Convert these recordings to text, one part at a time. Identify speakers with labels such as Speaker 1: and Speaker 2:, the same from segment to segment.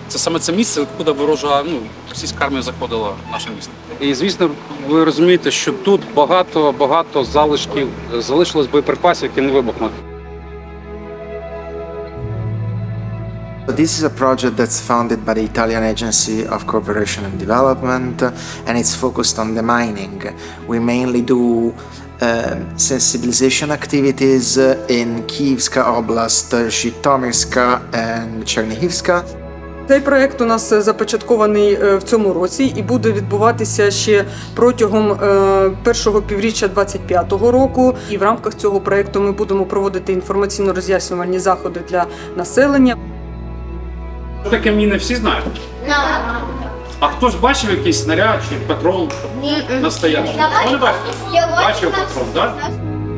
Speaker 1: Це саме це місце, куди ворожа, російська армія заходила в наше місто.
Speaker 2: І, звісно, ви розумієте, що тут багато залишків, залишилось боєприпасів, які не вибухнуть.
Speaker 3: This is a project that's funded by the Italian Agency of Cooperation and Development, and it's focused on the mining. We mainly do sensibilization activities in Kievska Oblast, Zhytomyrska and Chernihivska.
Speaker 4: Цей проєкт у нас започаткований в цьому році і буде відбуватися ще протягом першого півріччя 2025 року. І в рамках цього проєкту ми будемо проводити інформаційно-роз'яснювальні заходи для населення.
Speaker 1: Що таке міни, всі знають? А хтось бачив якийсь снаряд чи патрон настоящий? Хто не бачив? Бачив патрон, так?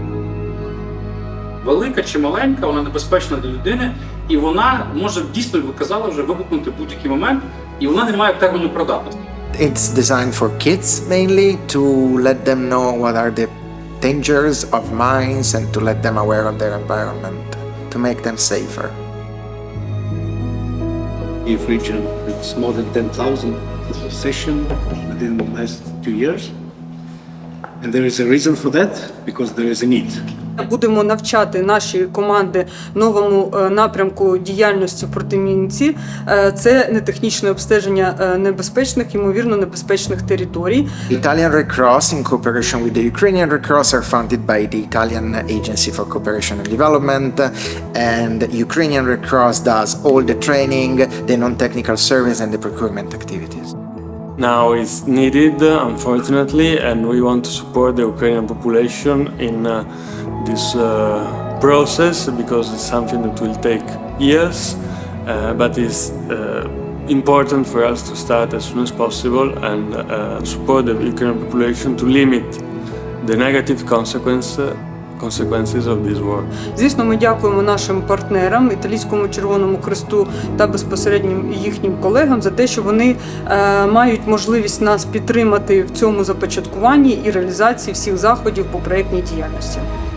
Speaker 1: Велика чи маленька, вона небезпечна для людини, і вона може дійсно, ви казали, вже вибухнути в будь-який момент, і вона не має терміну придатності.
Speaker 3: It's designed for kids mainly to let them know what are the dangers of mines and to let them aware of their environment, to make them safer.
Speaker 5: Kyiv region, it's more than 10,000 sessions within the last 2 years. And there is a reason for that, because there is a need.
Speaker 4: Будемо навчати наші команди новому напрямку діяльності в протимінці. Це нетехнічне обстеження небезпечних, ймовірно, небезпечних територій.
Speaker 3: Italian Red Cross, in cooperation with the Ukrainian Red Cross, are funded by the Italian Agency for Cooperation and Development, and Ukrainian Red Cross does all the training, the non-technical service, and the procurement activities.
Speaker 6: Now it's needed, unfortunately, and we want to support the Ukrainian population in this process because it's something that will take years, but it's important for us to start as soon as possible and support the Ukrainian population to limit the negative consequences of this war.
Speaker 4: Звісно, ми дякуємо нашим партнерам, Італійському Червоному Хресту та безпосередньо їхнім колегам за те, що вони мають можливість нас підтримати в цьому започаткуванні і реалізації всіх заходів по проєктній діяльності.